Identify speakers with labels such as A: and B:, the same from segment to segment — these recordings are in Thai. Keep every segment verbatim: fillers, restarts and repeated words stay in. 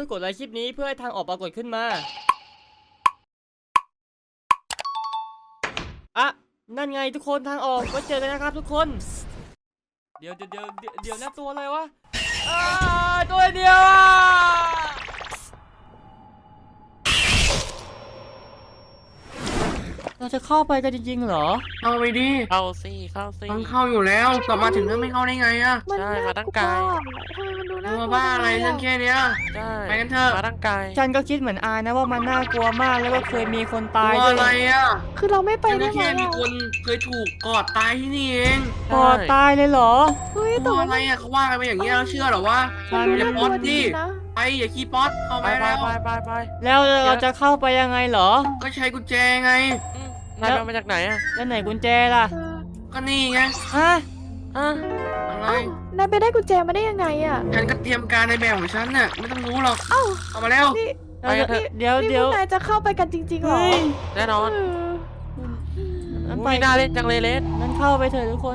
A: กดไลค์คลิปนี้เพื่อให้ทางออกปรากฏขึ้นมาอ่ะนั่นไงทุกคนทางออกไว้เจอกันนะครับทุกคนเดี๋ยวเดี๋ยวเดี๋ยวเดี๋ยวนะตัวอะไรวะอ่าตัวเดียวอ่ะเราจะเข้าไปกันจริงๆเหรอ
B: เข้าไปดิ
C: เข้าสิเข้าสิ
B: ต้องเข้าอยู่แล้วกลับมาถึงแล้วไม่เข้าได้ไงอะ
C: ใช่มาตั้งไกล
D: ทำไมมันดูน่ากลัว
B: บ้าอะไรเรื่องแค่เนี้ย
C: ใช่
B: ไปกันเถอะ
C: มาตั้งไกล
A: ฉันก็คิดเหมือนอายนะว่ามันน่ากลัวมากแล้วก็เคยมีคนตายด้วย
B: อะไรอะ
D: คือเราไม่ไปได้ไหม
B: แค่มีคนเคยถูกกอดตายที่นี่เอง
A: กอดตายเลยเหรอ
D: เฮ้ยแต่
B: ตัว
D: ว่า
B: อะไรอะเขาว่ากันไปอย่างเงี้ยเราเชื่อหรอวะ
D: มันดู
B: อย่า
D: น่าก
B: ป๊
D: ลั
B: อ
D: ว
B: ต
D: ดี
B: ดิ
D: นะ
B: ไปอย่าขี้ป๊อตเข้า
C: ไป
B: ไป
C: ไป
B: แล้ว
C: ไปไปไป
A: แล้วเราจะเข้าไปยังไงเหรอ
B: ก็ใช้กุญแจไง
C: นายมาจากไหนอ่ะ
A: แล้วไหนกุญแจล่ะ
B: ก็นี่ไง
A: ฮะ
C: อ่ะ
B: อะไร
D: นายไปได้กุญแจมาได้ยังไงอ่ะ
B: ฉันก็เตรียมการในแบบของฉันน่ะไม่ต้องรู้หรอก
D: เอ้า
B: เอามาแล้ว
D: นี่
C: ไปกันเถอะ
A: เดี๋ยว
D: นี่
A: เดี๋ยว
D: พวกนายจะเข้าไปกันจริงๆเหรอ
A: เฮ้ย
C: แน่นอน
D: เออ
A: งั้นไป
C: อุ้ยน่าเล่นจังเลยเลส
A: งั้นเข้าไปเถอะทุกคน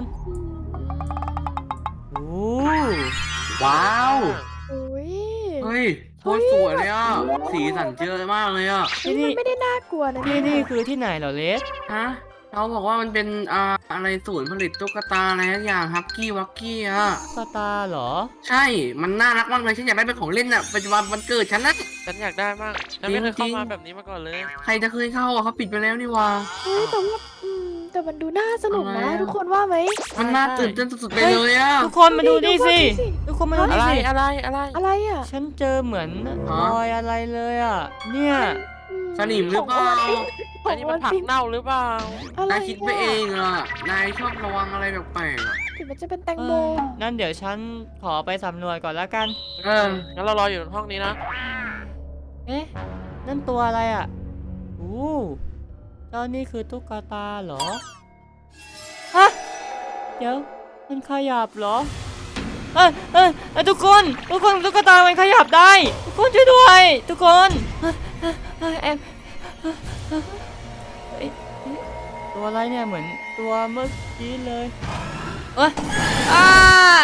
A: โอ้
B: ว้าว
D: โอ้ย
B: เฮ้ยโคตรสวยเลยอ่ะสีสันเจอมากเลยอ่ะ
D: นี่มันไม่ได้น่ากลัวนะ
A: ที่นี่คือที่ไหนเหรอเลส
B: ฮะเขาบอกว่ามันเป็นอ่าอะไรศูนย์ผลิตตุ๊กตาอะไรสักอย่างฮักกี้วักกี้อ่ะ
A: สตาร์เหรอ
B: ใช่มันน่ารักมากเลยฉันอยากได้เป็นของเล่นอ่ะปัจจุบันวันเกิดฉันนะ
C: ฉันอยากได้มากฉันไม่เคย
B: จริ
C: เข้าง มาแบบนี้มาก่อนเลย
B: ใครจะเคยเข้าอ่ะเขาปิดไปแล้วนี่วะ
D: เฮ้ยแต่ว่าอืมแต่มันดูน่าสนุกนะ
B: อะไรอะ
D: ทุกคนว่าไหม
B: มันน่าตื่นเต้นสุดๆไปเลยอ่ะ
A: ทุกคนมาดูนี่สิ
D: ดูสิ
A: ทุกคนมาดู
C: อะ
A: นี่
C: ไร
A: สิ
C: อะไรอะไร
D: อะไรอ่ะ
A: ฉันเจอเหมือนรอยอะไรเลยอ่ะเนี่ย
D: อืม
B: สนิมหรือเปล่า
D: ข
C: อั
D: อน ง
C: นี้
D: วั
C: มัน
D: น
C: ผัก
D: ปิง
C: เน่าหรือเปล่า
D: อะไร
B: นายคิดไปเองอ่ะนายชอบระวังอะไรแปลกๆอ่ะ
D: ถึงมันจะเป็นแตง
A: เอ
D: โม
A: อนั่นเดี๋ยวฉันขอไปสำรวจก่อนแล้วกัน
B: เออ
C: งั้นเรารออยู่ห้องนี้นะ
A: เอ๊ะนั่นตัวอะไรอ่ะโอ้เจ้านี่คือตุ๊กตาเหรอฮะเดี๋ยวมันขยับเหรอเอ้ยเอ้ยเอ้ยทุกคนทุกคนตุ๊กตามันขยับได้ทุกคนช่วยด้วยทุกคนเอ้ยเอ้ยแอมเอ้ยเอ้ยตัวอะไรเนี่ยเหมือนตัวเมื่อกี้เลยเอ้ยอ้า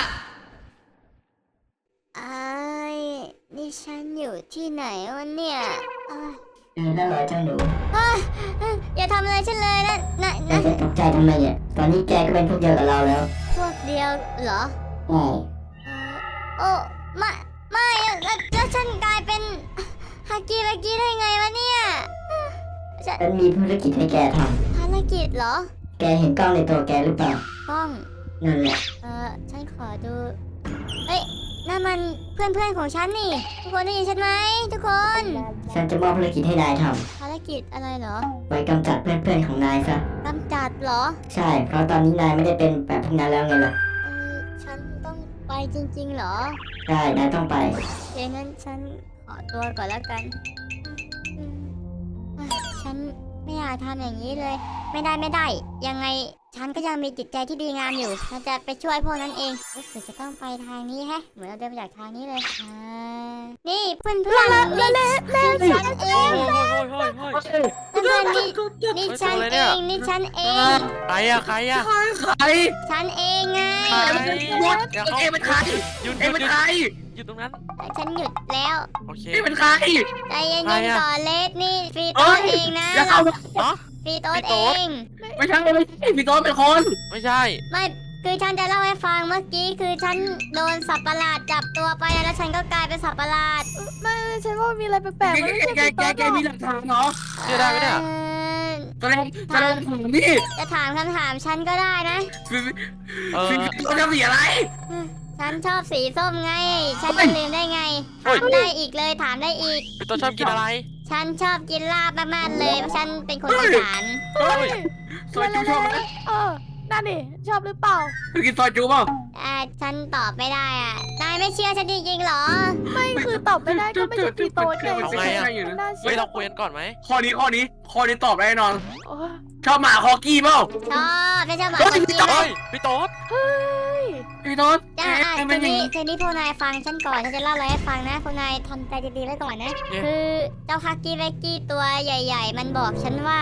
E: ไอ้นี่ฉันอยู่ที่ไหนวะเนี่ยอ้าย
F: เออแล้วเหรอเจ้าหนู
E: อ้ายอย่าทำอะไรฉันเลยนะนะ
F: นาย
E: นะ
F: จะตกใจทำไมเนี่ย ตอนนี้แกก็เป็นพวกเดียวกับเราแล้ว
E: พวกเดียวเหรอ
F: ใช่
E: เอ่อโอ้ไม่ไม่อะแล้วแล้วฉันกลายเป็นฮากิรากิได้ไงวะเนี่ยฉัน
F: ฉันมีธุรกิจให้แกท
E: ภารกิจเหรอ
F: ำแกเห็นกล้องในตัวแกหรือเปล่า
E: กล้อง
F: นั่นแหละ
E: เออฉันขอดูเอ้ยนั่นมันเพื่อนเพื่อนๆของฉันนี่ทุกคนได้ยินฉันไหมทุกคน
F: ฉันจะมอบธุรกิจให้นายท
E: ภารกิจอะไรเหรอ
F: ำไว้กำจัดเพื่อนๆของนายซะ
E: กำจัดเหรอ
F: ใช่ เพราะตอนนี้นายไม่ได้เป็นแบบพวกนั้นแล้วไงล่ะ
E: เออฉันต้องไปจริงๆเหรอ
F: ใช่ นายต้องไป
E: เดี๋ยวงั้นฉันขอตัวก่อนแล้วกันอืมอ่ะฉันไม่อยากทำอย่างนี้เลย ไม่ได้ไม่ได้ ยังไงฉันก็ยังมีจิตใจที่ดีงามอยู่ฉันจะไปช่วยพวกนั้นเองรู้สึกจะต้องไปทางนี้แฮะ เหมือนเราเดินมาจากทางนี้เลยอ่านี่เพื่อนเพื่อนนี่นี่ฉันเอง
C: โอ้ยโอ้ยโอ้ยโอ้ย
E: เพื่อนๆนี่นี่ฉันเองนี่ฉันเอง
C: ใครอะใครอะ
B: ใคร
E: ฉันเองไง
C: ใคร
B: หยุด
C: อย่า
B: เอ็เป็นใคร
C: หยุดห
B: เอ็
C: ยุด
B: เป็น
C: หยุด
B: ใคร
C: หยุดตรงนั้น
E: ฉันหยุดแล้ว
C: โอเค
B: เอ็เป็นใคร
E: ใจเย็
C: ใคร
E: น
C: อะ
E: ๆก่อนเลสนี่ฟรี
B: เอ้
E: โต๊
B: ย
E: ดเองนะ
B: อย่าเข้ามา
C: เนาะ
E: ฟรีโต๊ด
C: ฟรี
E: เอ
C: โต๊ด
E: ง
B: ไม่ใช่ไม่ใช่พี่โต้เป็นคน
C: ไม่ใช่
E: ไม่คือฉันจะเล่าให้ฟังเมื่อกี้คือฉันโดนสัตว์ประหลาดจับตัวไปแล้วฉันก็กลายเป็นสัตว์ประหลาด
D: ไม่ฉันว่ามีอะไรแปลกๆ
B: แก
D: มันไม่ใช่
B: แก
D: ปี
B: แก
D: โต๊ด
B: แก
D: หรอก
B: มีหลักฐานเหรอ
C: เชื่อได้ไหมเนี่ย
E: เอ่อ
B: แสดงแสดงผมนี่
E: จะถามคำถามฉันก็ได้นะ
B: พี่
C: เออ
B: พี่เขาจะสีอะไร
E: ฉันชอบสีส้มไง ฉัน
B: เฮ้
E: จะ
B: ย
E: ลืมได้ไง
C: เฮ้ย
E: ถามได้อีกเลยถามได้อีก
C: พี่ตัวชอบกินอะไร
E: ฉันชอบกินลาบมากๆเลยเพราะฉันเป็นคนอีสาน
B: เฮ้ยซอยจูชอบไหม
D: เออนั่นดิชอบหรือเปล่า
B: คือกินซอยจูเปล่า
E: อ่าฉันตอบไม่ได้อ่ะนายไม่เชื่อฉันจริงๆเหรอ
D: ไม่คือตอบไม่ได้ก็ไม่ใช่ปีโต๊ดไง
C: เอาไงอะ
D: มันน่าเชื่
C: เฮ้ย
D: อ
C: เราคุยกันก่อนไหม
B: ข้อนี้ข้อนี้ข้อนี้ตอบได้แน่นอน
D: โอ้ย
B: ชอบหมาคอกี้เปล่า
E: ชอบไม่ชอบหมา
B: เฮ้ย
E: คนกิน
C: เฮ้ยพี่โต๊ด
D: เฮ้ย
B: พี่โต้
E: จ้าอ่ะ
B: เอ๊ะ
E: ที
B: มันอย่าง
E: นี้
B: นี้
E: ทีนี้พวกนายฟังฉันก่อนฉันจะเล่าอะไรให้ฟังนะพวกนายทำใจดีๆไว้ก่อนนะ คือเจ้าฮักกี้แวกกี้ตัวใหญ่ ๆ มันบอกฉันว่า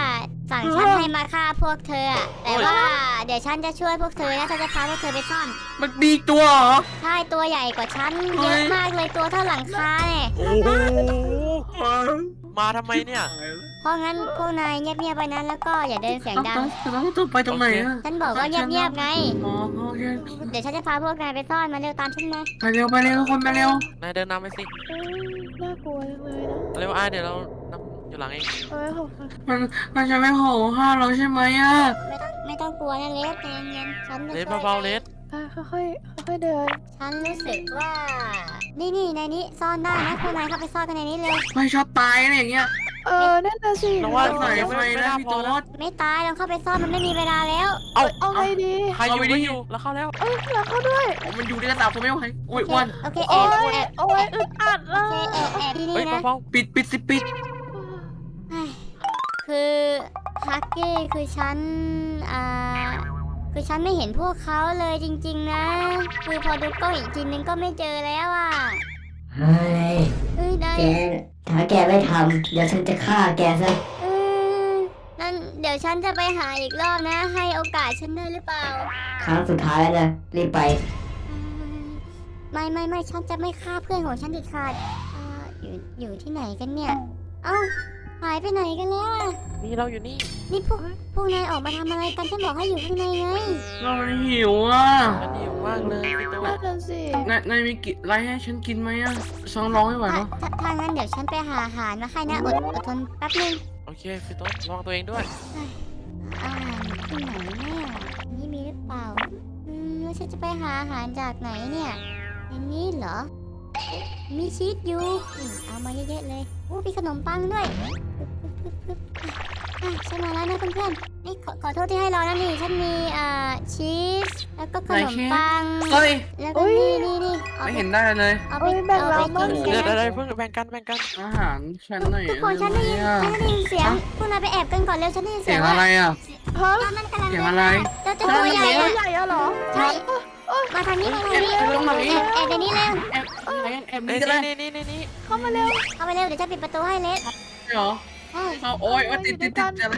E: สั่งฉันให้มาฆ่าพวกเธออะแต่ว่าเดี๋ยวฉันจะช่วยพวกเธอนะฉันจะพาพวกเธอไปซ่อน
B: มันมีตัวเหรอ
E: ใช่ตัวใหญ่กว่าฉันเยอะมากเลยตัวเท่าหลังคาเนี่ย
C: โอ้โหมาทำไมเนี่ย
E: เพราะงั้นพวกนายเงียบๆไปนั้นแล้วก็อย่าเดินเสียง
B: ต้อง
E: ดัง
B: ต้องต้องต้องไปตรงไหนอะ
E: ฉันบอกว่าเงียบๆไง
B: อ๋อโอเค
E: เดี๋ยวฉันจะพาพวกนายไปซ่อนมาเร็วตามฉันมา
B: ไปเร็วไปเร็วทุกคนไปเร็วน
C: ายเดินนำไปสิ
D: เอ้ยน่ากลัวจังเลยนะ
C: เร็วอ้ายเดี๋ยวเรานำอยู่หลังเอง
D: เอ้ยขอบคุณ
B: มันมันจะไม่โหฆ่าเราใช่ไหมอะ
E: ไม่ต้องไม่ต้องกลัวนะเลสใจเย็นๆฉันจะ
C: เลส
E: ช่วย
C: เบาๆเลส
D: อ่ะค่อยๆค่อยๆเดิน
E: ฉันรู้สึกว่า นี่นี่ในนี้ซ่อนได้นะพวกนายเข้าไปซ่อนกันในนี้เร็ว
B: ไม่ชอบตายอะไรอย่างเงี้ย
D: เออนั่นน่ะสิ
C: เราว่า
B: ใส่ไฟนะพี่โต๊ด
E: ไม่ตายลองเข้าไปซ่อนมันไม่มีเวลาแล้ว
C: เอา
D: เอาไงดี
C: ใครอยู่ไม่อยู่แล้วเข้าแล้ว
D: เอ้ยแล้วเข้าด้วย
B: มันอยู่ในกระดาษผมไม่ไหวโอ้ย
E: โอเค
B: อ้วัน
E: โอเค
D: โอ้
E: แอบ
D: ย
E: แอบ
D: โอ้ยอึดอัดเล
E: โอเค
D: ย
E: แอบแอบที่
C: เฮ้
E: นี่
C: ย
E: นะ
C: เบา
B: ปิดปิดสิปิด
E: คือฮักกี้คือฉันอ่าคือฉันไม่เห็นพวกเขาเลยจริงๆนะ คือพอดูกล้องอีกทีนึงก็ไม่เจอแล้วอ่ะ
F: เฮ้ย
E: เฮ้ยนาย
F: แกถ้าแกไม่ทำเดี๋ยวฉันจะฆ่าแกซะ
E: เออนั่นเดี๋ยวฉันจะไปหาอีกรอบนะ ให้โอกาสฉันได้หรือเปล่า
F: ครั้งสุดท้ายแล้วนะรีบไป
E: อืมไม่ไม่ไม่ฉันจะไม่ฆ่าเพื่อนของฉันเด็ดขาดอ่าอยู่อยู่ที่ไหนกันเนี่ย เอ้าหายไปไหนกันแล้วอ่ะ
C: ๆนี่เราอยู่นี่
E: นี่พวกพวกนายออกมาทำอะไรกันฉันบอกให้อยู่ข้างในไง
B: เราหิวอ่ะ
C: อันนี้มากเลยพี่โต๊
D: นั่
C: ด
D: นน่ะสิ
B: นายนายมีกิอะไรให้ฉันกินไหมอ่ะฉันร้องไม่ไหว
E: ถ้า
B: แล้ว
E: ถ้าถ้างั้นเดี๋ยวฉันไปหาอาหารมาให้นะอดอดทนแป๊บนึง
C: โอเคพี่โต๊ดระวังตัวเองด้วย
E: อาหารอยู่ที่ไหนเนี่ยนี่มีหรือเปล่าอืมแล้วฉันจะไปหาอาหารจากไหนเนี่ยในนี้เหรอ มีชีสอยู่อืมเอามาเยอะๆเลยโอ้มีขนมปังด้วยปึ๊บปึ๊บปึ๊บปึ๊บอ่ะฉันมาแล้วนะเพื่อนๆนี่ขอขอโทษที่ให้รอนะนี่ฉันมีอ่าชีสแล้วก็ขนมปัง
B: เฮ้ย
E: แล้วก็นี่นี่นี่เอา
B: ไม่
E: ไป
B: เห็นได้เลย
E: เอาไป
D: โอ้ยแบ่ง
E: เอา
D: เรา
E: ไป
D: บ้าง
E: กิน
D: สิ
C: เดี๋ยว
E: กัน
C: เดี๋ยว
E: นะ
C: เพิ่งแบ่งกันแบ่งกัน
B: อาหารฉันหน่อย
E: ทุกคนฉันได้ยิน
B: อะ
E: ฉันได้ยินเสียงพวกนายไปแอบกันก่อนเร็วฉันได้ยิน
B: เสี
E: เสี
B: ย
E: ย
B: ง
E: ง
B: อะไรอ่ะ
D: ฮะ
E: ตอนนั้นกำลัง
B: เสียงอะไร
E: เจ้าตัวใหญ่
D: ตัว
E: อะ
D: ใหญ่อะเหรอ
E: ใช่ มาทางนี้มาทางนี้
B: แอบตรงไหน
E: แอบแอบในนี้เร็ว
B: แอบแอบ
C: นี่
B: นี่ก็ได้
C: นี่นี่นี่นี่
D: เข้ามาเร็ว
E: เข้าไปเร็วเดี๋ยวจะปิดประตูให้เลส
B: เหรอ
E: ใช่
B: เอาโอ้ยโอ้ยติดติดติดอะไร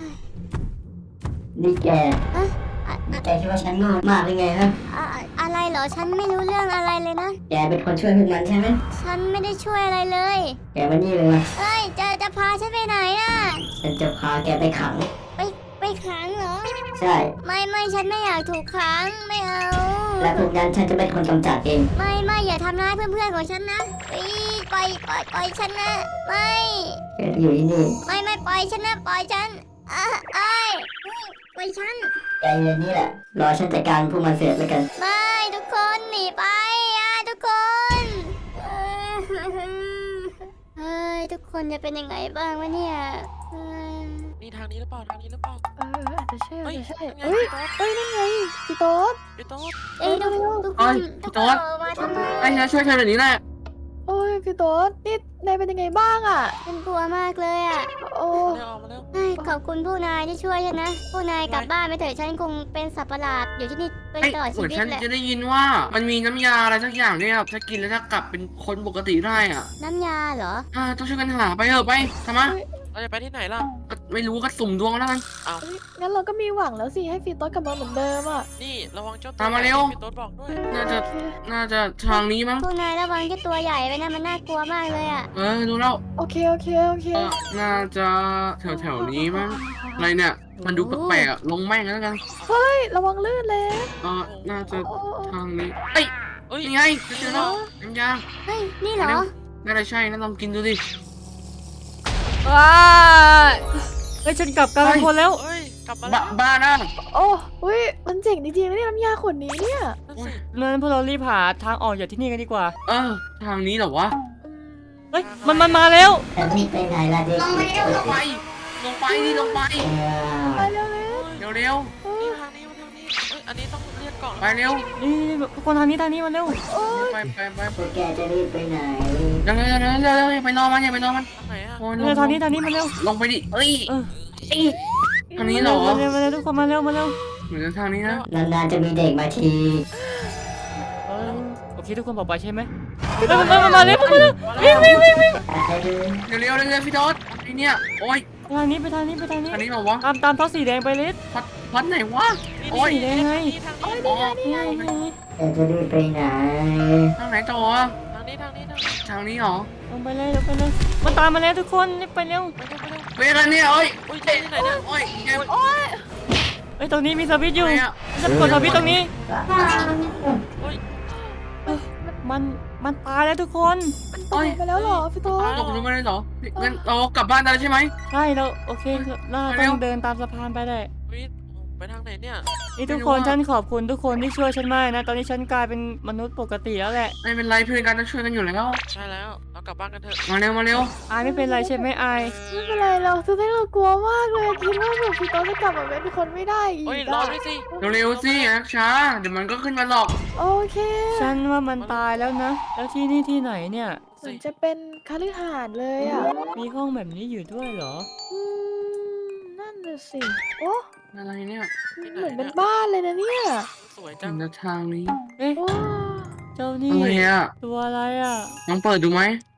F: นี่แก
E: อะอะ
F: แกคิดว่าฉันโง่มากหรือไงฮะ
E: อะอะไรเหรอฉันไม่รู้เรื่องอะไรเลยนะ
F: แกเป็นคนช่วยพวกมันใช่ไหม
E: ฉันไม่ได้ช่วยอะไรเลย
F: แกมานี่เลยมา
E: เอ้ยจะจะพาฉันไปไหนน่ะ
F: ฉันจะพาแกไปขัง
E: ไปไปขังเหรอ
F: ใช่
E: ไม่ไม่ฉันไม่อยากถูกขังไม่เอา
F: และพวกนั้นฉันจะเป็นคนกำจัดเอง
E: ไม่ไม่อย่าทำร้ายเพื่อนๆของฉันนะอีปล่อยปล่อยปล่อยฉันนะไม่
F: แกอยู่ที่นี่
E: ไม่ไม่ปล่อยฉันนะปล่อยฉันอ่ะไอ้ยปล่อยฉัน
F: แกอยู่นี่แหละ รอฉันจัดการพวกมันเสร็จแล้วกัน
E: ไม่ทุกคนหนีไปอ่ะทุกคนเอ้ยเฮ้ยทุกคนจะเป็นยังไงบ้างวะเนี่ยเอ้ย
C: นี่ทางนี้หรือเปล่าทางนี้หรือเปล่า
D: เอออาจจะใช่อา
C: เฮ้
D: จ
C: ย
D: จะใช่
C: นั่นไง
D: เอ้ย
C: พี่โต๊ด
D: เอ้ยนั่นไงพี่โต๊ด
C: พี่โต๊ด
E: เอ้ยทุกทุกค
B: เอ้
E: น
B: ย
E: ทุก
B: โต๊
E: คน
B: ด
E: ออกมาทำไม
B: ไอ้ฉันช่วยเธอแบบนี้แหละ
D: โอ้ยพี่โต๊ดนี่นายเป็นยังไงบ้างอ่ะ
E: ฉันกลัวมากเลยอ่ะ
D: โอ้
C: เร็วออกมาเร็ว
E: เฮ้ยขอบคุณผู้นายที่ช่วยฉันนะผู้นายกลับบ้านไปเถอะฉันคงเป็นสัตว์ประหลาดอยู่ที่นี่ไป
B: ไอ้
E: ตลอด
B: เห
E: ชี
B: มือน
E: วิต
B: ฉัน
E: แหละ
B: จะได้ยินว่ามันมีน้ำยาอะไรสักอย่างเนี่ยถ้ากินแล้วจะกลับเป็นคนปกติได้อ่ะ
E: น้ำยาเหรอ
B: อ่าต้องช่วยกันหาไปเถอะไปทำไม
C: เราจะไปที่ไหนล่ะ
B: ก็ไม่รู้ก็สุ่มดวงแล้วกัน
D: เอ้ยงั้นเราก็มีหวังแล้วสิให้พี่โต๊ดกลับมาเหมือนเดิมอ่ะ
C: นี่ระวังเจ้าตัว
B: ตามมาเร็ว
C: พี่โต๊ดบอกด้วย
B: น่าจะ
D: โอเค
B: น่าจะทางนี้มั้ง
E: ผู้นายระวังเจ้าตัวใหญ่ไปนะมันน่ากลัวมากเลยอ่ะ
B: เออดูแล้ว
D: โอเคโอเคโอเค
B: เออน่าจะแถวแถวๆนี้มั้งอะไรเนี่ย มันดูแปลกๆอะลงแม่งแล้วกัน
D: เฮ้ยระวังลื่นเลย
B: เออน่าจะ
D: โอ้โอ้
B: ทางนี้เอ้ย
C: เอ้ย
B: ยังไงเจอแล้วน้ำยา
E: เฮ้ยนี่เหรอ
B: น่าจะใช่นะลองกินดูดิ
A: ว้าเฮ้ยฉันกลับกลายเป็นคนแล้ว
C: เอ้ยกลับมา
B: บ้า
C: แล้ว
B: บ้านะ
D: โอ้อุ้ยมันเจ๋งจริงๆนะเนี่ยน้ำยาขวดนี้เนี่ย
C: นั่นสิ
A: งั้นพวกเรารีบหาทางออกจากที่นี่กันดีกว่า
B: เออทางนี้เหรอวะ
A: เฮ้ย มันมันมาแล้ว
F: แต่นี่ไปไหนล่ะเด็ก
B: ลงไปลงไปลงไปดิลงไป
F: เออ
D: ไปเร็วเลย
B: เร็วเร็ว
C: นี่ทางนี้มาทางนี้เอ้ยอันนี้ต้องเรียกกล่อง
B: ๆไปเร็ว
A: นี่ทุกคนทางนี้ทางนี้มาเร็ว
D: โอ้ย
B: ไปไปไป
F: พวกแกจะรีบไปไหน
B: เร็วเร็วเร็วเร็วเร็วเร็วอย่าไปนอนมันอย่าไปนอนมัน
C: ทางไหนอะ
B: โอ้ยล
A: เร็วทางนี้ทางนี้มาเร็ว
B: ลงไปดิเอ้ย
A: เออ
B: ทางนี้เหรอ
A: มาเร็วมาเร็วทุกคนมาเร็วมาเร็ว
B: เหมือนทางนี้นะ
F: นานๆจะมีเด็กมาที
A: เออโอเคทุกคนบอกไปใช่ไหมเฮ้ยมันมามามาเร็วมาเร็ววิ่งวิ่งวิ่งวิ่ง
F: อะไรดู
B: เร็วเร็วเร็วเร็วพี่โต๊ดไอเนี่ยโอ้ย
A: ไปทางนี้ไปทางนี้ไปทางนี้
B: อันนี้เหรอวะ
A: ตามตามท่อสีแดงไปลิศ
B: พัดพัดไหนวะ โอ้ย
A: สีแดงไง
C: ทาง
B: อ๋
C: นี้
B: อ
A: นี่ไงนี่ไง
F: แต่จะรีบไปไหน
B: ทางไหนต่ออะ
C: ทางนี้ทางนี้ทางนี้
B: ทางนี้เหรอ
A: ลงไปเลยลงไปเลยมันตามมาแล้วทุกคนรีบไปเร็ว
C: ไปเร็วไปเร็ว
B: เวลาเนี่ยโอ้ย
C: อุ้ยเจ๊ที่ไหนเนี่ย
B: โอ้ยแก
A: เอ้ยตรงนี้มีสวิตช์อยู่
B: อะไรอะ
A: จะกดสวิตช์ตรงนี้
C: อุ้ย
A: มันมันตายแล้วทุกคน
D: มันตายไปแล้วเหรอพี่โต๊
C: ตาย
D: ด
B: ตกลงมาเลยเหรองั้นเรากลับบ้านได้แล้วใช่ไหม
A: ใช่เราโอเคเรา
B: ไปเร็
A: ต้
B: ว
A: องเดินตามสะพานไปได้
C: อุ้ยไปทางไหนเนี่ย
A: นี่ทุก
B: ไม่รู้
A: คน
B: อะ
A: ฉันขอบคุณทุกคนที่ช่วยฉันมากนะ ตอนนี้ฉันกลายเป็นมนุษย์ปกติแล้วแหละ
B: ไม่เป็นไรเพื่อนกันต้องช่วยกันอยู่แล้ว
C: ใช่แล้วเรากลับบ้านกันเถอะ
B: มาเร็วมาเร็ว
A: อายไม่เป็นไรใช่ไหมอาย
D: ไม่เป็นไรเราคือให้เรากลัวมากเลยคิดว่าแบบพี่โต๊ดจะกลับมาเป็นคนไม่ได้อีก
C: เฮ้ย
D: อะ
C: รอด้วยสิ
B: เร็วๆสินักช้าเดี๋ยวมันก็ขึ้นมาหรอก
D: โอเค
A: ฉันว่ามันตายแล้วนะ แล้วที่นี่ที่ไหนเนี่ย
D: เหมือนจะเป็นคฤหาสน์เลยอ่ะ
A: มีห้องแบบนี้อยู่ด้วยเหรอ
D: อืมนั่นน่ะสิโอ้
B: อะไรเนี่ย
D: เหมือนเป็นบ้านเลยนะเนี่ย
C: สวย
B: ถึ
C: จัง
B: งจะทางนี้
A: เอ๊ะ
D: ว้า
A: เจ้านี่
B: อะไรอะ
A: ตัวอะไรอ่ะ
B: ลองเปิดดูไหม